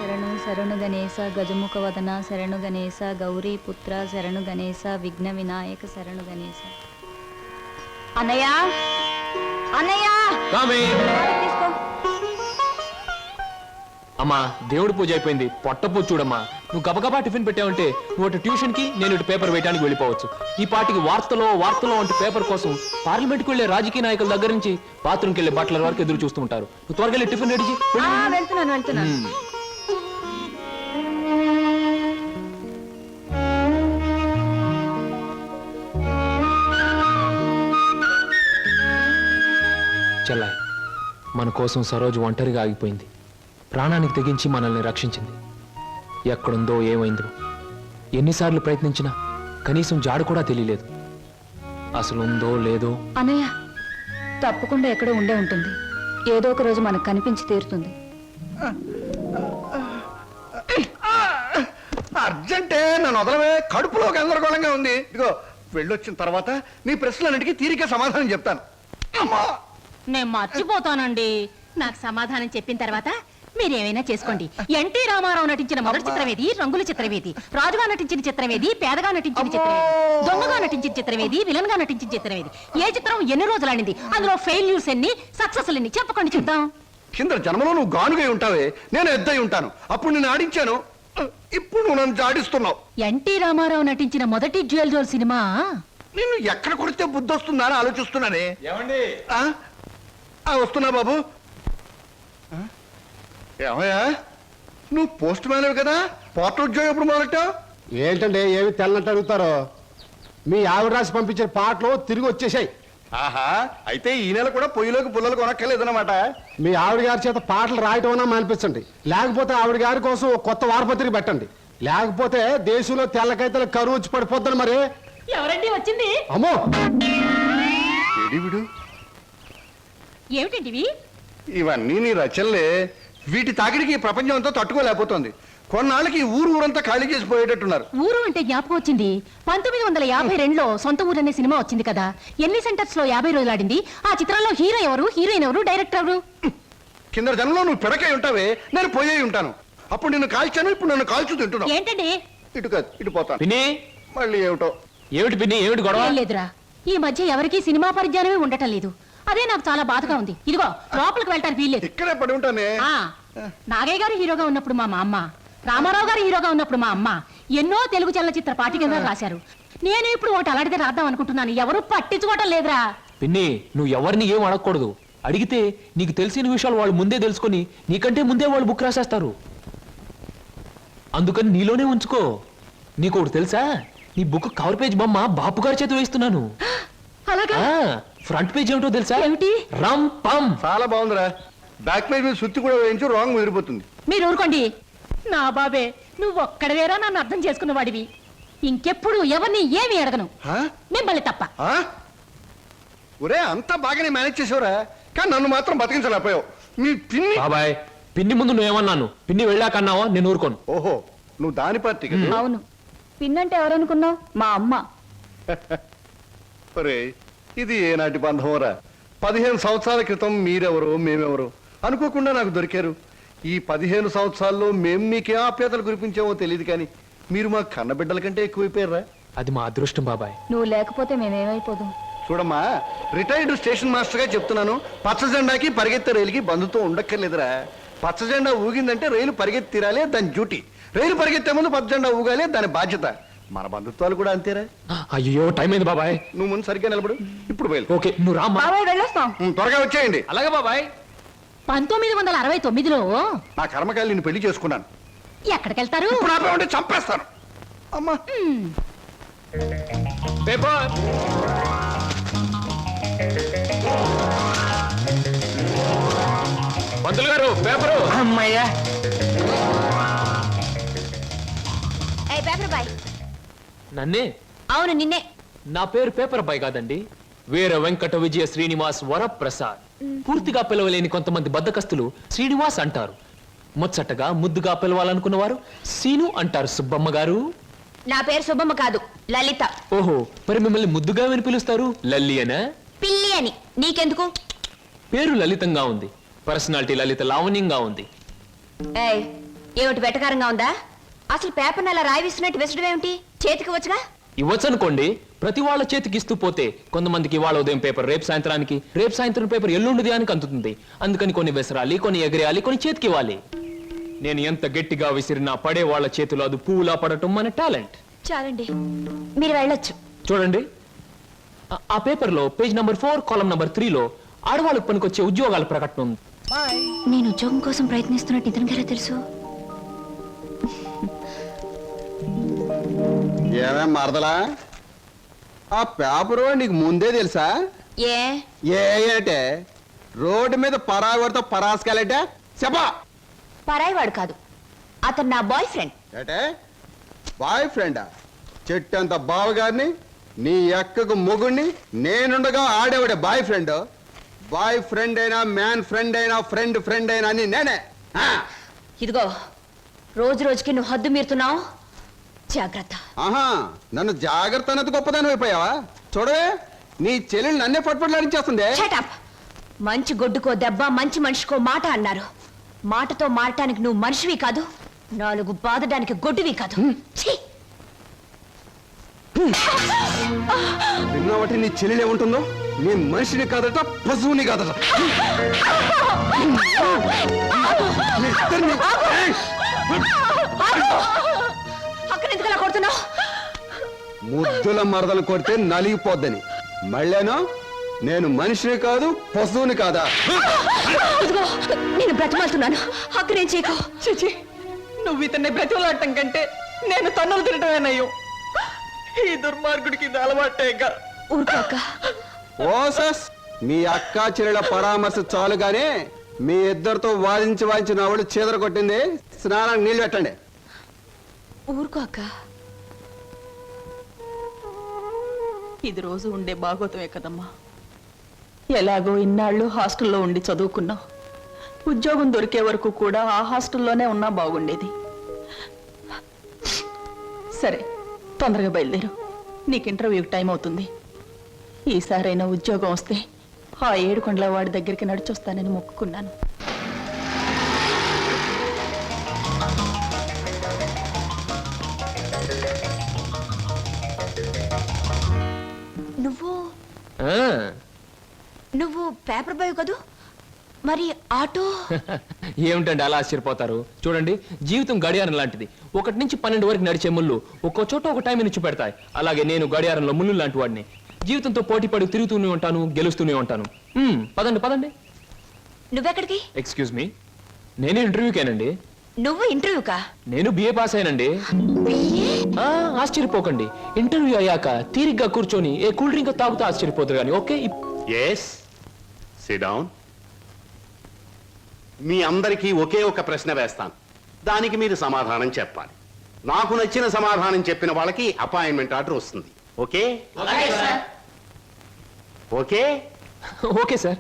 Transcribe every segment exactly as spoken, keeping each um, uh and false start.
శరణు శరణు గణేశ గజముఖ వదన శరణు గణేశ గౌరీ పుత్ర శరణు గణేశ విఘ్న వినాయక శరణు గణేశ. అన్నయ్య అన్నయ్య తీసుకో. అమ్మా దేవుడి పూజ అయిపోయింది, పొట్ట పూజ చూడమ్మా. నువ్వు గబగబా టిఫిన్ పెట్టావంటే నువ్వు అటు ట్యూషన్ కి, నేను ఇటు పేపర్ వేయడానికి వెళ్ళిపోవచ్చు. ఈ పాటికి వార్తలో వార్తలో అంటే పేపర్ కోసం పార్లమెంట్కి వెళ్లే రాజకీయ నాయకుల దగ్గర నుంచి బాత్రూమ్కి వెళ్లే బట్టల వరకు ఎదురు చూస్తూ ఉంటారు. నువ్వు త్వరగా వెళ్ళి టిఫిన్ రెడీ చేయి. వెళ్తున్నాను వెళ్తున్నాను. చెల్లాయి, మన కోసం సరోజు ఒంటరిగా ఆగిపోయింది. ప్రాణానికి తెగించి మనల్ని రక్షించింది. ఎక్కడుందో ఏమైందో ఎన్నిసార్లు ప్రయత్నించినా కనీసం జాడు కూడా తెలియలేదు. అసలు ఉందో లేదో. అన్నయ్య తప్పకుండా ఎక్కడో ఉండే ఉంటుంది. ఏదో ఒక రోజు మనకు కనిపించి తీరుతుంది. అర్జెంటే నన్ను వదలవే, కడుపులో గందరగోళంగా ఉంది. ఇదిగో వెళ్ళొచ్చిన తర్వాత నీ ప్రశ్నలన్నిటికీ తీరిక సమాధానం చెప్తాను. అమ్మా నేను మర్చిపోతానండి. నాకు సమాధానం చెప్పిన తర్వాత మీరేమైనా చేసుకోండి. ఎన్టీ రామారావు నటించిన మొదటి చిత్రమేది, రంగుల చిత్రమేది, రాజుగా నటించిన చిత్రమేది, పేదగా నటించిన చిత్రమేది, దొంగగా నటించిన చిత్రమేది, విలన్ గా నటించిన చిత్రమేది, ఏ చిత్రం ఎన్ని రోజులు ఆడింది, అందులో ఫెయిల్యూర్స్ ఎన్ని, సక్సెస్ ఎన్ని చెప్పకండి చూద్దాం. కింద జన్మలో నువ్వు గానుగై ఉంటావే, నేను ఎద్దై ఉంటాను. అప్పుడు నేను ఆడించాను, ఇప్పుడు నువ్వు నన్ను జాడిస్తున్నావు. ఎన్టీ రామారావు నటించిన మొదటి జ్యువెల్ జోల్ సినిమా నిన్ను ఎక్కడ కొడితే బుద్ధి వస్తుందా అని ఆలోచిస్తున్నానే. వస్తున్నా బాబు. ఏమయ్యా నువ్వు పోస్ట్ మ్యాన్ కదా, పోర్టల్ ఉద్యోగం ఎప్పుడు మొదలెట్టావు? ఏంటంటే ఏమి తెల్లంటే అడుగుతారో. మీ ఆవిడ రాసి పంపించిన పాటలు తిరిగి వచ్చేసాయి. ఆహా, అయితే ఈ నెల కూడా పొయ్యిలోకి పుల్లలు కొనక్కర్లేదన్నమాట. మీ ఆవిడ గారి చేత పాటలు రాయటం అన్నా మానిపించండి, లేకపోతే ఆవిడ గారి కోసం కొత్త వారపత్రిక పెట్టండి. లేకపోతే దేశంలో తెల్లకైతే కరువు వచ్చి పడిపోద్దని. మరి ఎవరండి వచ్చింది? అమ్మో విడు ఏమిటండి ఇవన్నీ నీ రచనలే. వీటి తాకిడికి ప్రపంచం అంతా తట్టుకోలేకపోతుంది. కొన్నాళ్ళకి ఊరు ఊరంతా ఖాళీ చేసి పోయేటట్టున్నారు. ఊరు అంటే జ్ఞాపకం వచ్చింది. పంతొమ్మిది వందల యాభై రెండులో సొంత ఊరు అనే సినిమా వచ్చింది కదా, ఎన్ని సెంటర్స్ లో యాభై రోజులు ఆడింది. ఆ చిత్రంలో హీరో ఎవరు, హీరోయిన్ ఎవరు, డైరెక్టర్ ఎవరు? కింద జనంలో నువ్వు పిడకై ఉంటావే, నేను పోయే ఉంటాను. అప్పుడు నిన్ను కాల్చాను, ఇప్పుడు నన్ను కాల్చు తింటున్నావు. ఏంటండి? ఇటు కాదు ఇటు పోతాను. పిన్ని మళ్ళీ ఏమిటో. ఏమిటి పిన్ని, ఏమిటి గొడవ? లేదురా, ఈ మధ్య ఎవరికి సినిమా పరిజ్ఞానమే ఉండటం లేదు. అదే నాకు చాలా బాధగా ఉంది. ఇదిగో లోపలికి వెళ్ళటానికి వీల్లేదు. ఇక్కడే పడి ఉంటానే. నాగయ్య గారు హీరోగా ఉన్నప్పుడు మా అమ్మ, రామారావు గారు హీరోగా ఉన్నప్పుడు మా అమ్మ ఎన్నో తెలుగు చలనచిత్ర పాఠ్యగ్రంథాలు రాశారు. నేను ఇప్పుడు ఒకటి అలాంటిదే రాద్దాం అనుకుంటున్నాను. ఎవరు పట్టించుకోవటం లేదురా. పిన్ని నువ్వు ఎవరిని ఏం అడగకూడదు. అడిగితే నీకు తెలిసిన విషయాలు వాళ్ళు ముందే తెలుసుకొని నీకంటే ముందే వాళ్ళు బుక్ రాసేస్తారు. అందుకని నీలోనే ఉంచుకో. నీకు ఒకటి తెలుసా, నీ బుక్ కవర్ పేజ్ బొమ్మ బాపు గారి చేత వేస్తున్నాను. ఫ్రంట్ పేజ్ ఏమిటో తెలుసా? ఏమిటి? రమ్ పమ్. చాలా బాగుందిరా. బ్యాక్ పేజ్ మీద సుత్తి కూడా వేయించు, రాంగ్ ముదిరిపోతుంది. మీరు ఊరుకోండి. నా బాబే, నువ్వు ఒక్కడవేరా నన్ను అర్థం చేసుకున్న వాడివి. ఇంకెప్పుడు ఎవరిని ఏమి అడగను, మిమ్మల్ని తప్ప. ఒరే అంతా బాగానే మేనేజ్ చేసావురా, కానీ నన్ను మాత్రం బతికించలేకపోయావు. మీ పిన్ని బాబాయ్, పిన్ని ముందు నువ్వేమన్నాను, పిన్ని వెళ్ళాకన్నావా నేను ఊరుకోను. ఓహో, నువ్వు దాని పార్టీ కదా. అవును, పిన్నంటే ఎవరనుకున్నావు? మా అమ్మ. ఒరే ఇది ఏనాటి బంధమోరా. పదిహేను సంవత్సరాల క్రితం మీరెవరో మేమెవరో అనుకోకుండా నాకు దొరికారు. ఈ పదిహేను సంవత్సరాల్లో మేము మీకే ఆప్యాతలు కురిపించామో తెలియదు, కానీ మీరు మా కన్నబిడ్డల కంటే ఎక్కువైపోయారా. అది మా అదృష్టం బాబాయ్. నువ్వు లేకపోతే మేమేమైపోదు. చూడమ్మా, రిటైర్డ్ స్టేషన్ మాస్టర్ గా చెప్తున్నాను, పచ్చ జెండాకి పరిగెత్తే రైలుకి బంధుతో ఉండక్కర్లేదురా. పచ్చ జెండా ఊగిందంటే రైలు పరిగెత్తి తీరాలే దాని డ్యూటీ. రైలు పరిగెత్తే ముందు పచ్చ జెండా ఊగాలే దాని బాధ్యత. మన బంధుత్వాలు కూడా అంతేరా. అయ్యో టైం అయింది బాబాయ్. నువ్వు ముందు సరిగ్గా నిలబడు, ఇప్పుడు బయలు. ఓకే నువ్వు రా. బాబాయ్ వెళ్ళొస్తాం. త్వరగా వచ్చేయండి. అలాగే బాబాయ్. పంతొమ్మిది వందల అరవై తొమ్మిదిలో నా కర్మకాయలు నేను పెళ్లి చేసుకున్నాను. ఎక్కడికెళ్తారు? ఇప్పుడు ఆపే ఉంటే చంపేస్తాను. అమ్మా పేపర్. పంతులు గారు పేపరు. అమ్మయ్యా. నన్నే? అవును నిన్నే. నా పేరు పేపర్ బాయ్ కాదండి, వీర వెంకట విజయ శ్రీనివాస్ వరప్రసాద్. పూర్తిగా పిలవలేని కొంతమంది బద్దకస్తులు శ్రీనివాస్ అంటారు. ముచ్చటగా ముద్దుగా పిలవాలనుకున్న వారు సీను అంటారు. సుబ్బమ్మ గారు. నా పేరు సుబ్బమ్మ కాదు, లలిత. ఓహో, మరి మిమ్మల్ని ముద్దుగా విని పిలుస్తారు లల్లి అనా? పిల్లి అని. నీకెందుకు? పేరు లలితంగా ఉంది, పర్సనాలిటీ లలిత లావణ్యంగా ఉంది. ఏయ్ ఏమిటి వెటకారంగా ఉందా? అసలు పేపర్ని అలా రాయిస్తున్నట్టు విసడం ఏమిటి? చేతికి వచ్చుగా. ఇవ్వచ్చు అనుకోండి, ప్రతి వాళ్ళ చేతికి ఇస్తూ పోతే కొంతమందికి ఇవాళ ఉదయం పేపర్ రేపు సాయంత్రానికి, రేపు సాయంత్రం పేపర్ ఎల్లుండి దానికి అందుతుంది. అందుకని కొన్ని విసరాలి, కొన్ని ఎగరేయాలి, కొన్ని చేతికి ఇవ్వాలి. నేను ఎంత గట్టిగా విసిరినా పడే వాళ్ళ చేతిలో అది పువ్వులా పడటం మన టాలెంట్. చాలండి, మీరు వెళ్ళొచ్చు. చూడండి, ఆ- ఆ పేపర్ లో పేజ్ నంబర్ ఫోర్ కాలం నంబర్ త్రీలో ఆడవాళ్ళకు పనికొచ్చే ఉద్యోగాల ప్రకటన ఉంది. నేను ఉద్యోగం కోసం ప్రయత్నిస్తున్నట్టు ఇతనికి ఎలా తెలుసు? ఏమే మరదలా, ఆ పేపరు నీకు ముందే తెలుసా? ఏ ఏ అంటే రోడ్డు మీద పరాగడితో పరాసుకెళ్ళటే చెప్పా. పరాయివాడు కాదు, అతను నా బాయ్ ఫ్రెండ్. ఏటే బాయ్ ఫ్రెండా? చెట్టంత బావగారిని, నీ ఎక్కకు మొగుణ్ణి, నేనుండగా ఆడేవాడే బాయ్ ఫ్రెండ్. బాయ్ ఫ్రెండ్ అయినా, మ్యాన్ ఫ్రెండ్ అయినా, ఫ్రెండ్ ఫ్రెండ్ అయినా అని నేనే. ఆ, ఇదిగో, రోజు రోజుకి నువ్వు హద్దు మీరుతున్నావు. జాగ్రత్త. ఆహా, నన్ను జాగ్రత్త అన్నది గొప్పదాని అయిపోయావా? చూడవే, నీ చెల్లెలు నన్నే పట్టుపట్లాడించేస్తుంది. Shut up. మంచి గొడ్డుకో దెబ్బ, మంచి మనిషికో మాట అన్నారు. మాటతో మారటానికి నువ్వు మనిషివి కాదు, నాలుగు బాదడానికి గొడ్డువి కాదు. ఛీ! విన్నావటి నీ చెల్లెలు ఏముంటుందో? నీ మనిషిని కాదట, పశువుని కాదట. మీ ఇద్దరిని- ఏయ్! అక్కడ ఎందుకు అలా కొడుతున్నావు? ముద్దుల మరదలు కొడితే నలిగిపోద్దని. మళ్ళేనో నేను మనిషిని కాదు, పశువుని కాదా? ఇదిగో, నేను బ్రతిమాలుతున్నాను. అక్కడ ఏం చేయకు. చిచి, నువ్వు ఇతన్ని బ్రతిమలాడటం కంటే నేను తన్నులు తినటమేనయ్యో. ఈ దుర్మార్గుడికి ఇది అలవాటేగా. ఊరుకో అక్క. ఓసస్, మీ అక్క చెల్లెల పరామర్శ చాలుగానే మీ ఇద్దరితో వాదించి వాదించి నా వాళ్ళు చీదర కొట్టింది. స్నానానికి నీళ్ళు పెట్టండి. ఊరుకో అక్క. ఇది రోజు ఉండే బాగోతమే కదమ్మా. ఎలాగో ఇన్నాళ్ళు హాస్టల్లో ఉండి చదువుకున్నావు. ఉద్యోగం దొరికే వరకు కూడా ఆ హాస్టల్లోనే ఉన్నా బాగుండేది. సరే, తొందరగా బయలుదేరు. నీకు ఇంటర్వ్యూకి టైం అవుతుంది. ఈసారైనా ఉద్యోగం వస్తే ఆ ఏడుకొండల వాడి దగ్గరికి నడిచొస్తానని మొక్కుకున్నాను. నువ్వు ఆ, నువ్వు పేపర్ బాయ్ కదూ? మరి ఆటో? ఏమిటండి అలా ఆశ్చర్యపోతారు? చూడండి, జీవితం గడియారం లాంటిది. ఒకటి నుంచి పన్నెండు వరకు నడిచే ముళ్ళు ఒక్కో చోట ఒక టైం నుంచి పెడతాయి. అలాగే నేను గడియారంలో ముళ్ళు లాంటి వాడిని. జీవితంతో పోటీ పడి తిరుగుతూనే ఉంటాను, గెలుస్తూనే ఉంటాను. మ్మ్, పదండి పదండి. నువ్వెక్కడికి? ఎక్స్క్యూజ్ మీ, నేను ఇంటర్వ్యూకేనండి. నువ్వు ఇంటర్వ్యూకా? నేను బిఏ పాస్ అయినండి. ఆ, ఆశ్చర్యపోకండి. ఇంటర్వ్యూ అయ్యాక తీరిగ్గా కూర్చొని ఏ కూల్ డ్రింక్ తాగుతూ ఆశ్చర్యపోతారు కానీ. Okay, yes, sit down. మీ అందరికీ ఒకే ఒక ప్రశ్న వేస్తాను, దానికి మీరు సమాధానం చెప్పాలి. నాకు నచ్చిన సమాధానం చెప్పిన వాళ్ళకి అపాయింట్మెంట్ ఆర్డర్ వస్తుంది. Okay okay okay sir.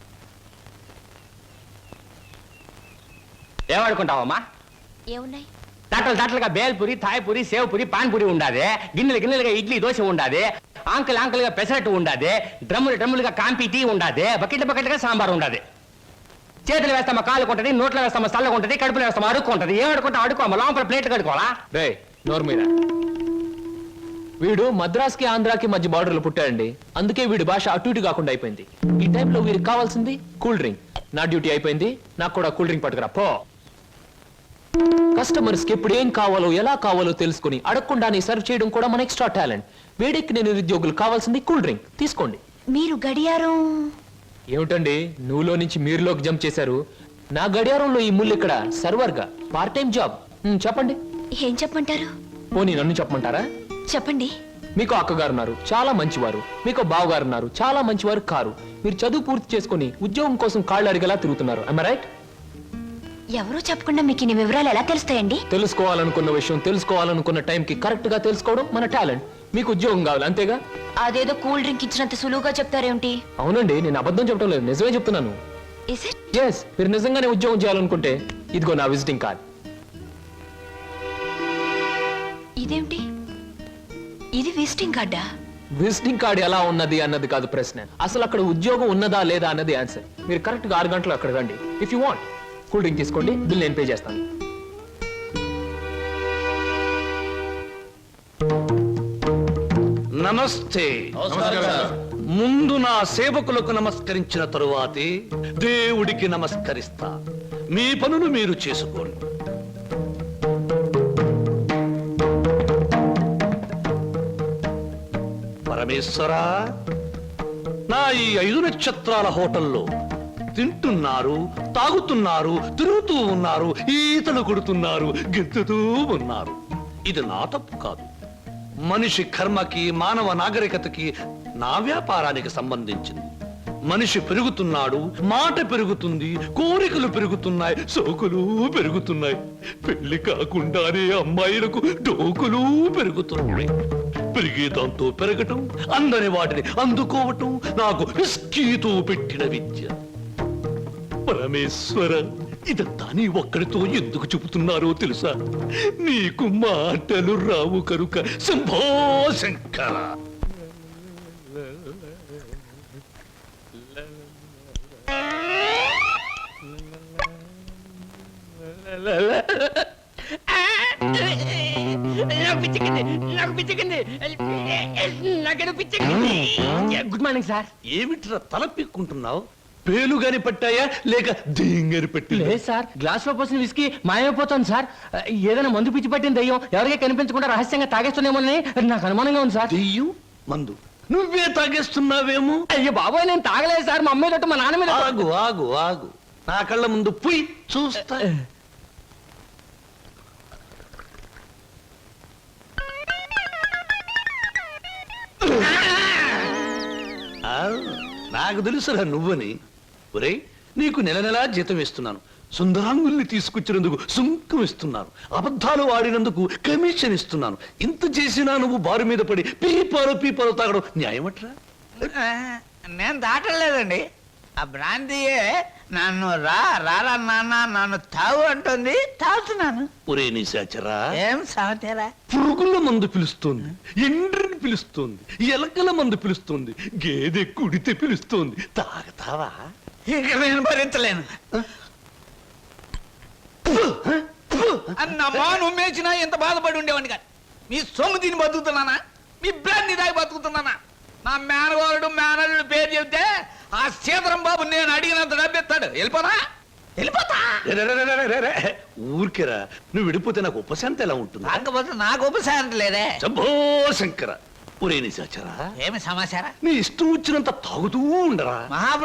ఏమనుకుంటావమ్మా? ఏమున్నాయి? తట్టలు తట్టలుగా బేల్పూరి, థాయ్పూరి, సేవ్పూరి, పాన్పూరి ఉండాది. గిన్నెలు గిన్నెలుగా ఇడ్లీ దోశ ఉండాది. ఆంకలు ఆంకలుగా పెసరట్టు ఉండాది. డ్రమ్ములు డ్రమ్ములుగా కాంపి టీ ఉండాది. బకెట్ బకెట్గా సాంబార్ ఉండాది. చేతులు వేస్తామా కాలు కొంటది, నోట్లో వేస్తామా చల్లగా ఉంటది, కడుపులో వేస్తామా అడుక్కుంటది. ఏం అడుకుంటా అడుకోమా, లోపల ప్లేట్ కడుకోవాలా? రే నోరు మీద. వీడు మద్రాస్కి ఆంధ్రాకి మధ్య బార్డర్లో పుట్టాడండి. అందుకే వీడి భాష అటు ఇటు కాకుండా అయిపోయింది. ఈ టైంలో వీరికి కావాల్సింది కూల్ డ్రింక్. నా డ్యూటీ అయిపోయింది, నాకు కూడా కూల్ డ్రింక్ పట్టుకురా పో. కస్టమర్స్ కి ఎప్పుడు ఏం కావాలో ఎలా కావాలో తెలుసుకుని అడగకుండానే సర్వ్ చేయడం కూడా మన ఎక్స్ట్రా టాలెంట్. వేడెక్కి నేను నిరుద్యోగులు కావాల్సింది కూల్ డ్రింక్. తీసుకోండి. మీరు గడియారం? ఏమిటండి నువ్వులో నుంచి మీరులోకి జంప్ చేశారు? నా గడియారంలో ఈ ముళ్ళు ఇక్కడ సర్వర్ గా పార్ట్ టైం జాబ్. ఉమ్, చెప్పండి. ఏం చెప్పమంటారు? పోనీ నన్ను చెప్పమంటారా? చెప్పండి. మీకు అక్కగారు ఉన్నారు, చాలా మంచివారు. మీకు బావగారు ఉన్నారు, చాలా మంచివారు కారు. మీరు చదువు పూర్తి చేసుకుని ఉద్యోగం కోసం కాళ్ళు అడిగేలా తిరుగుతున్నారు. am I right? ఎవరో చెప్పకుండా మీకు ఇన్ని వివరాలు ఎలా తెలుస్తాయండి? తెలుసుకోవాలనుకున్న విషయం తెలుసుకోవాలనుకున్న టైంకి కరెక్ట్ గా తెలుసుకోవడం మన టాలెంట్. మీకు ఉద్యోగం కావాలి అంతేగా? అదేదో కూల్ డ్రింక్ ఇచ్చినంత సులువుగా చెప్తారేమిటి? అవునండి, నేను అబద్ధం చెప్పడం లేదు, నిజమే చెప్తున్నాను. Is it? ఎస్, మీరు నిజంగానే ఉద్యోగం చేయాలనుకుంటే ఇదిగో నా విజిటింగ్ కార్డ్. ఇదేమిటి? ఇది విజిటింగ్ కార్డా? విజిటింగ్ కార్డ్ ఎలా ఉన్నది అన్నది కాదు ప్రశ్న. అసలు అక్కడ ఉద్యోగం ఉన్నదా లేదా అన్నది ఆన్సర్. మీరు కరెక్ట్ గా ఆరు గంటలు అక్కడ రండి. If you want cool drink తీసుకోండి, బిల్ నేను పే చేస్తాను. నమస్తే. ముందు నా సేవకులకు నమస్కరించిన తరువాతే దేవుడికి నమస్కరిస్తా. మీ పనులు మీరు చేసుకోండి. పరమేశ్వరా, నా ఈ ఐదు నక్షత్రాల హోటల్లో తింటున్నారు, తాగుతున్నారు, తిరుగుతూ ఉన్నారు, ఈతలు కొడుతున్నారు, గెంతుతూ ఉన్నారు. ఇది నా తప్పు కాదు. మనిషి కర్మకి, మానవ నాగరికతకి, నా వ్యాపారానికి సంబంధించింది. మనిషి పెరుగుతున్నాడు, మాట పెరుగుతుంది, కోరికలు పెరుగుతున్నాయి, సోకులు పెరుగుతున్నాయి. పెళ్లి కాకుండానే అమ్మాయిలకు డోకులు పెరుగుతున్నాయి. పెరిగే దాంతో పెరగటం, అందని వాటిని అందుకోవటం నాకు రిస్కీతో పెట్టిన విద్య. పరమేశ్వర, ఇదంతా నీ ఒక్కడితో ఎందుకు చెబుతున్నారో తెలుసా? నీకు మాటలు రావు కనుక. Shambho Shankara. Good morning sir. ఏమిట్రా తల పిక్కుంటున్నావు? పేలుగాని పట్టాయా లేక దేంగని పట్టి? లేదు సార్, గ్లాస్ లో పోసిన విస్కీ మాయమైపోతాను సార్. ఏదైనా మందు పిచ్చి పట్టిన దయ్యం ఎవరికీ కనిపించకుండా రహస్యంగా తాగేస్తున్నామోనని నాకు అనుమానంగా ఉంది సార్. దెయ్యం మందు నువ్వే తాగేస్తున్నావేమో? అయ్యో బాబాయ్, నేను తాగలేదు సార్. మా అమ్మాయి తోటి మా నాన్న మీద. ఆగు ఆగు ఆగు, నా కళ్ళ ముందు పుయ్ చూస్తా. ఆ, నాకు తెలుసురా నువ్వని. ఒరేయ్, నీకు నెల నెలా జీతం ఇస్తున్నాను. సుందరాంగుల్ని తీసుకొచ్చినందుకు సుంకం ఇస్తున్నాను. అబద్ధాలు ఆడినందుకు కమిషన్ ఇస్తున్నాను. ఇంత చేసినా నువ్వు బారు మీద పడి పీపాలు పీపాలు తాగడం న్యాయమట్రా? నేను దాటలేదండి. ఆ బ్రాంతియే నన్ను రా రారా నాన్న నన్ను తాగు అంటుంది, తాగుతున్నాను. ఒరే నిశాచరా, ఏం సమాచారా? పురుగుల మందు పిలుస్తోంది, ఎండ్రిని పిలుస్తోంది, ఎలకల మందు పిలుస్తోంది, గేదె కుడితే పిలుస్తోంది. తాగతావా? ఇక నేను భరించలేను. అన్నమ్మా, నువ్వు మేచినా ఎంత బాధపడి ఉండేవాడిని కాదు. మీ సొమ్ము తిని బతుకుతున్నానా? మీ బ్రాంతి దాగి బతుకుతున్నానా? నా మేనగోరుడు మేనల్లుడు పేరు చెబితే ఆ సీతరం బాబు నేను అడిగినంత డబ్బిస్తాడు. వెళ్ళిపోనా? వెళ్ళిపోతా. రే, రే, రే, రే, రే, రే. ఊరికేరా, నువ్వు విడిపోతే నాకు ఉపశాంతి ఎలా ఉంటుంది? కాకపోతే నాకు ఉపశాంతి లేదే. శంభో శంకర. ఒరే నిశాచరా, ఏమి సమాచారం? నీ ఇష్టం వచ్చినంత తాగుతూ ఉండరా. మహా